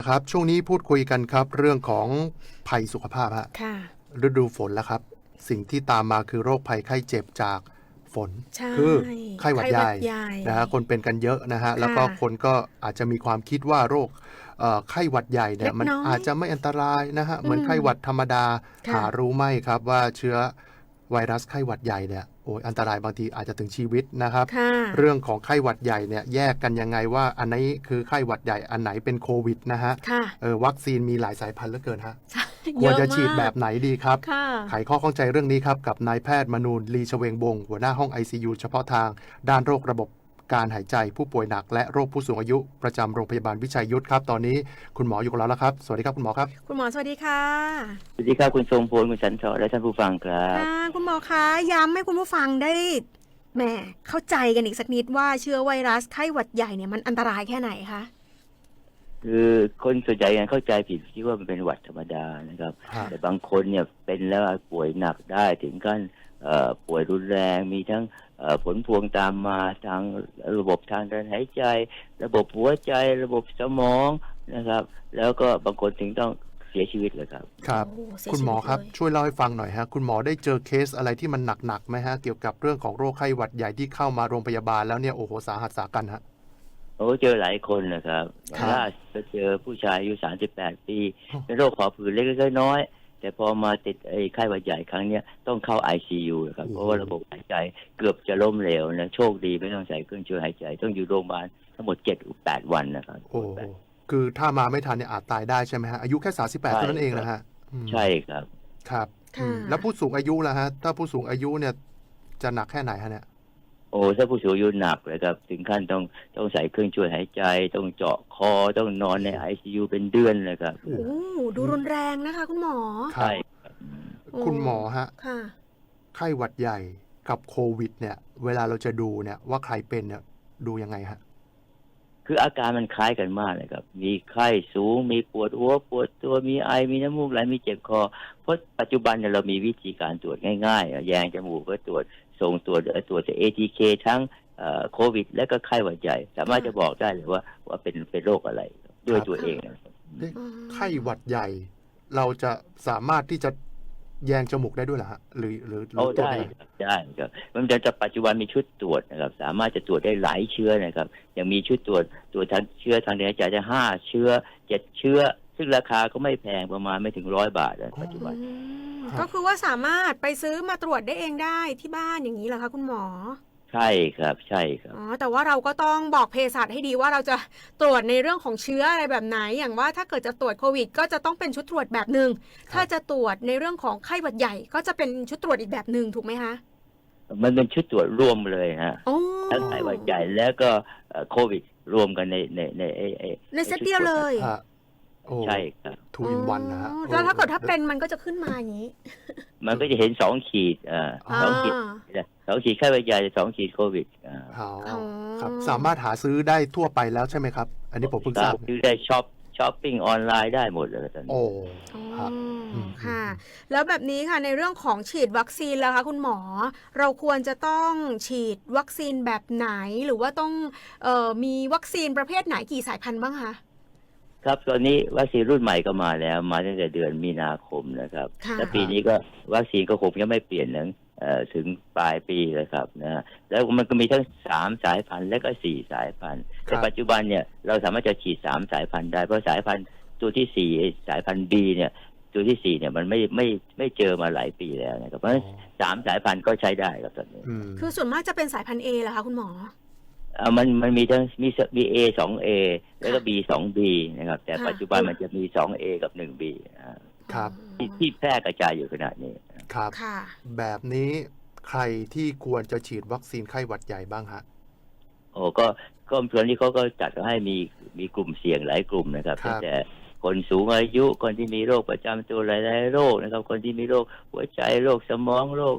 ครับช่วงนี้พูดคุยกันครับเรื่องของภัยสุขภาพฮะค่ะฤดูฝนแล้วครับสิ่งที่ตามมาคือโรคภัยไข้เจ็บจากฝนใช่คือไข้หวัดใหญ่ไข้หวัดใหญ่นะฮะคนเป็นกันเยอะนะฮะแล้วค่ะก็คนก็อาจจะมีความคิดว่าโรคไข้หวัดใหญ่เนี่ยมันเล็กน้อยอาจจะไม่อันตรายนะฮะเหอืมมือนไข้หวัดธรรมดาค่ะหารู้ไหมครับว่าเชื้อไวรัสไข้หวัดใหญ่เนี่ยโอ้ยอันตรายบางทีอาจจะถึงชีวิตนะครับค่ะเรื่องของไข้หวัดใหญ่เนี่ยแยกกันยังไงว่าอันไหนคือไข้หวัดใหญ่อันไหนเป็นโควิดนะฮะค่ะวัคซีนมีหลายสายพันธุ์เหลือเกินฮะใช่ควรเยอะมาจะฉีดแบกบไหนดีครับค่ะไขข้อข้องใจเรื่องนี้ครับกับนายแพทย์มนูนลีชเวงวงศ์หัวหน้าห้อง ICU เฉพาะทางด้านโรคระบบการหายใจผู้ป่วยหนักและโรคผู้สูงอายุประจำโรงพยาบาลวิชัยยุทธครับตอนนี้คุณหมออยู่กับเราแล้วครับสวัสดีครับคุณหมอครับคุณหมอสวัสดีค่ะสวัสดีครับคุณทรงพลคุณสันทรและท่านผู้ฟังครับค่ะคุณหมอคะย้ำให้คุณผู้ฟังได้แหมเข้าใจกันอีกสักนิดว่าเชื้อไวรัสไข้หวัดใหญ่เนี่ยมันอันตรายแค่ไหนคะคือคนส่วนใหญ่ยังเข้าใจผิดคิดว่ามันเป็นหวัดธรรมดานะครับฮะแต่บางคนเนี่ยเป็นแล้วป่วยหนักได้ถึงขั้นป่วยรุนแรงมีทั้งผลพวงตามมาทางระบบทางเดินหายใจ ระบบหัวใจระบบสมองนะครับ แล้วก็บางคนถึงต้องเสียชีวิตเลยครับครับโอ้เสียคุณหมอครับชีวิตเลยช่วยเล่าให้ฟังหน่อยฮะคุณหมอได้เจอเคสอะไรที่มันหนักๆไหมฮะเกี่ยวกับเรื่องของโรคไข้หวัดใหญ่ที่เข้ามาโรงพยาบาลแล้วเนี่ยโอ้โหสาหัสสากันฮะโอ้เจอหลายคนนะครับครับล่าสุดก็เจอผู้ชายอายุ38 ปีอ๋อเป็นโรคหอบหืดเล็กๆน้อยๆแต่พอมาติดไอ้ไข้หวัดใหญ่ครั้งเนี้ยต้องเข้า ICU นะครับเพราะว่าระบบหายใจเกือบจะล้มเหลวนะโชคดีไม่ต้องใส่เครื่องช่วยหายใจ ต้องอยู่โรงพยาบาลทั้งหมด7-8 วันนะครับโอ้โหคือถ้ามาไม่ทันเนี่ยอาจตายได้ใช่ไหมฮะอายุแค่38เท่านั้นเองนะฮะอืมใช่ครับครับค่ะแล้วผู้สูงอายุล่ะฮะถ้าผู้สูงอายุเนี่ยจะหนักแค่ไหนฮะเนี่ยโอ้ถ้าผู้สูงอายุหนักเลยครับถึงขั้นต้องใส่เครื่องช่วยหายใจ ต้องเจาะคอต้องนอนใน ICU เป็นเดือนเลยครับโอ้โอ้ดูรุนแรงนะคะ คุณหมอครับใช่ครับคุณหมอฮะค่ะไข้หวัดใหญ่กับโควิดเนี่ยเวลาเราจะดูเนี่ยว่าใครเป็นเนี่ยดูยังไงฮะคืออาการมันคล้ายกันมากเลยครับ มีไข้สูง มีปวดหัวปวดตัวมีไอ มีน้ำมูกไหล มีเจ็บคอ เพราะปัจจุบันเนี่ยเรามีวิธีการตรวจง่ายๆแยงจมูกก็ตรวจส่งตรวจATK ทั้งโควิด และก็ไข้หวัดใหญ่ สามารถจะบอกได้เลยว่าเป็นโรคอะไรด้วยตัวเองนะครับเอ๊ะอืมไข้หวัดใหญ่ เราจะสามารถที่จะแยงจมูกได้ด้วยเหรอฮะหรือโอ้ตรวจได้ยังไงครับได้ครับมันจะปัจจุบันมีชุดตรวจนะครับ สามารถจะตรวจได้หลายเชื้อนะครับยังมีชุดตรวจทั้งเชื้อทางเดินหายใจได้5 เชื้อ 7 เชื้อ ซึ่งราคาก็ไม่แพงประมาณไม่ถึง100 บาทนะปัจจุบันอืมก็คือว่าสามารถไปซื้อมาตรวจได้เองได้ที่บ้านอย่างนี้เหรอคะคุณหมอใช่ครับใช่ครับอ๋อแต่ว่าเราก็ต้องบอกเภสัชให้ดีว่าเราจะตรวจในเรื่องของเชื้ออะไรแบบไหนอย่างว่าถ้าเกิดจะตรวจโควิดก็จะต้องเป็นชุดตรวจแบบหนึ่งถ้าจะตรวจในเรื่องของไข้หวัดใหญ่ก็จะเป็นชุดตรวจอีกแบบหนึ่งถูกไหมคะมันเป็นชุดตรวจรวมเลยฮะโอ้ทั้งไข้หวัดใหญ่แล้วก็โควิดรวมกันในในเซตเดียวเลยฮะโอ้ใช่ครับทูอินวันนะฮะอ๋อแล้วถ้าเกิดถ้าเป็นมันก็จะขึ้นมาอย่างนี้มันก็จะเห็น2 ขีด2 ขีด2 ขีดไข้หวัดใหญ่2 ขีดโควิดอ๋ออ๋อครับสามารถหาซื้อได้ทั่วไปแล้วใช่ไหมครับ อันนี้ผมเพิ่งทราบซื้อได้ช้อปปิ้งออนไลน์ได้หมดเลยตอนนี้โอ้อ๋อครับอืมค่ะ แล้วแบบนี้ค่ะในเรื่องของฉีดวัคซีนแล้วคะคุณหมอ เราควรจะต้องฉีดวัคซีนแบบไหนหรือว่าต้องมีวัคซีนประเภทไหนกี่สายพันธุ์บ้างคะครับตอนนี้วัคซีนรุ่นใหม่ก็มาแล้วมาตั้งแต่เดือนมีนาคมนะครับค่ะและปีนี้ก็วัคซีนก็คงยังไม่เปลี่ยนถึงปลายปีเลยครับนะแล้วมันก็มีทั้ง3 สายพันธุ์และก็4 สายพันธุ์แต่ปัจจุบันเนี่ยเราสามารถจะฉีด3 สายพันธุ์ได้เพราะสายพันธุ์ตัวที่4สายพันธุ์ B เนี่ยตัวที่4เนี่ยมันไม่เจอมาหลายปีแล้วนะครับเพราะฉะนั้น3 สายพันธุ์ก็ใช้ได้ครับตอนนี้อืมคือส่วนมากจะเป็นสายพันธุ์ A เหรอคะคุณหมอมันมีทั้งมี A 2A แล้วก็ B 2B นะครับแต่ค่ะปัจจุบันมันจะมี 2A กับ 1B ครับที่แพร่กระจายอยู่ขนาดนี้ครับค่ะแบบนี้ใครที่ควรจะฉีดวัคซีนไข้หวัดใหญ่บ้างฮะโอ้ก็ส่วนนี้เขาก็จัดให้มีกลุ่มเสี่ยงหลายกลุ่มนะครับครับตั้งแต่คนสูงอายุคนที่มีโรคประจำตัวหลายๆโรคนะครับคนที่มีโรคหัวใจโรคสมองโรค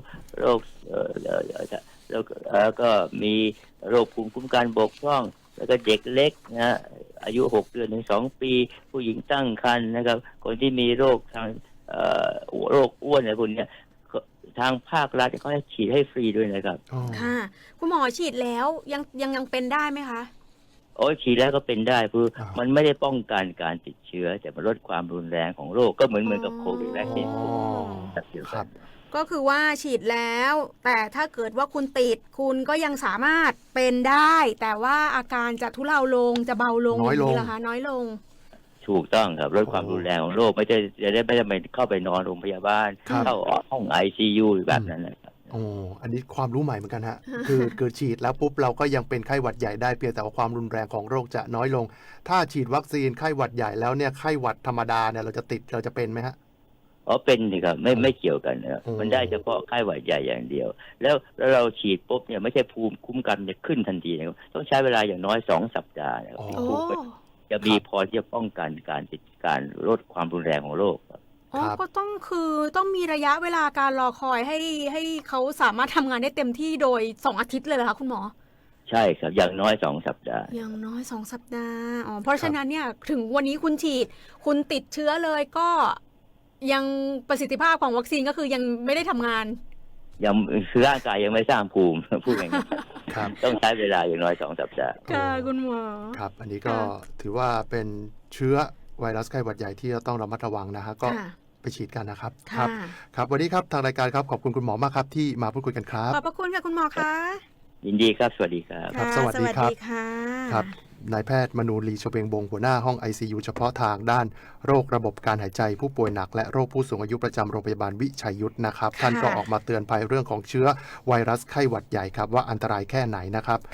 แล้วก็มีโรคภูมิคุ้มกันบกพร่อง แล้วก็เด็กเล็กนะอายุ6 เดือนถึง 2 ปี ผู้หญิงตั้งครรภ์นะครับ คนที่มีโรคทางโรคอ้วนอะไรพวกนี้ทางภาครัฐเขาให้ฉีดให้ฟรีด้วยนะครับอ๋อค่ะ คุณหมอฉีดแล้วยังเป็นได้ไหมคะโอ้ยฉีดแล้วก็เป็นได้คืออ่ามัมันไม่ได้ป้องกันการติดเชื้อ แต่มันลดความรุนแรงของโรคก็เหมือนกับโควิดแรกเองอ๋อแบบเดียวคกัรันบก็คือว่าฉีดแล้ว แต่ถ้าเกิดว่าคุณติดคุณก็ยังสามารถเป็นได้ แต่ว่าอาการจะทุเลาลงจะเบาลงน้อยลงนี้เหรอคะน้อยลงถูกต้องครับลดความรุนแรงของโรคไม่ได้ไปเข้าไปนอนโรงพยาบาลครับเข้าห้อง ICU แบบนั้นนะครับโอ้อันนี้ความรู้ใหม่เหมือนกันฮะ คือฉีดแล้วปุ๊บเราก็ยังเป็นไข้หวัดใหญ่ได้เพียงแต่ว่าความรุนแรงของโรคจะน้อยลง ถ้าฉีดวัคซีนไข้หวัดใหญ่แล้วเนี่ยไข้หวัดธรรมดาเนี่ยเราจะติดเราจะเป็นไหมฮะอ๋อเป็นสิครับไม่เกี่ยวกันนะครับอืมมันได้เฉพาะไข้หวัดใหญ่อย่างเดียว แล้วเราฉีดปุ๊บเนี่ยไม่ใช่ภูมิคุ้มกันจะขึ้นทันทีนะครับต้องใช้เวลาอย่างน้อย2 สัปดาห์นะครับอ๋อโอ้จะมีพอที่จะป้องกันการลดความรุนแรงของโรคครับอ๋อครับก็ต้องมีระยะเวลาการรอคอยให้เขาสามารถทำงานได้เต็มที่โดย2 อาทิตย์เลยเหรอคะคุณหมอใช่ครับอย่างน้อย2 สัปดาห์อย่างน้อย2 สัปดาห์อ๋อเพราะฉะนั้นเนี่ยถึงวันนี้คุณฉีด คุณติดเชื้อเลยก็ยังประสิทธิภาพของวัคซีนก็คือยังไม่ได้ทำงานยังคือร่างกายยังไม่สร้างภูมิ พูดง่ายครับๆต้องใช้เวลาอย่างน้อย2 สัปดาห์ค่ะคุณหมอครับ อันนี้ก็ค่ะถือว่าเป็นเชื้อไวรัสไข้หวัดใหญ่ที่เราต้องระมัดระวังนะฮะก็ค่ะไปฉีดกันนะครับค่ะครับวันนี้ครับทางรายการครับขอบคุณคุณหมอมากครับที่มาพูดคุยกันครับขอบพระคุณค่ะคุณหมอคะยินดีครับ สวัสดีครับครับะสวัสดีครับค่ะครับนายแพทย์มนูลีชเวงบงหัวหน้าห้อง ICU เฉพาะทางด้านโรคระบบการหายใจผู้ป่วยหนักและโรคผู้สูงอายุประจำโรงพยาบาลวิชัยยุทธนะครับ ท่านก็ออกมาเตือนภัยเรื่องของเชื้อไวรัสไข้หวัดใหญ่ครับว่าอันตรายแค่ไหนนะครับ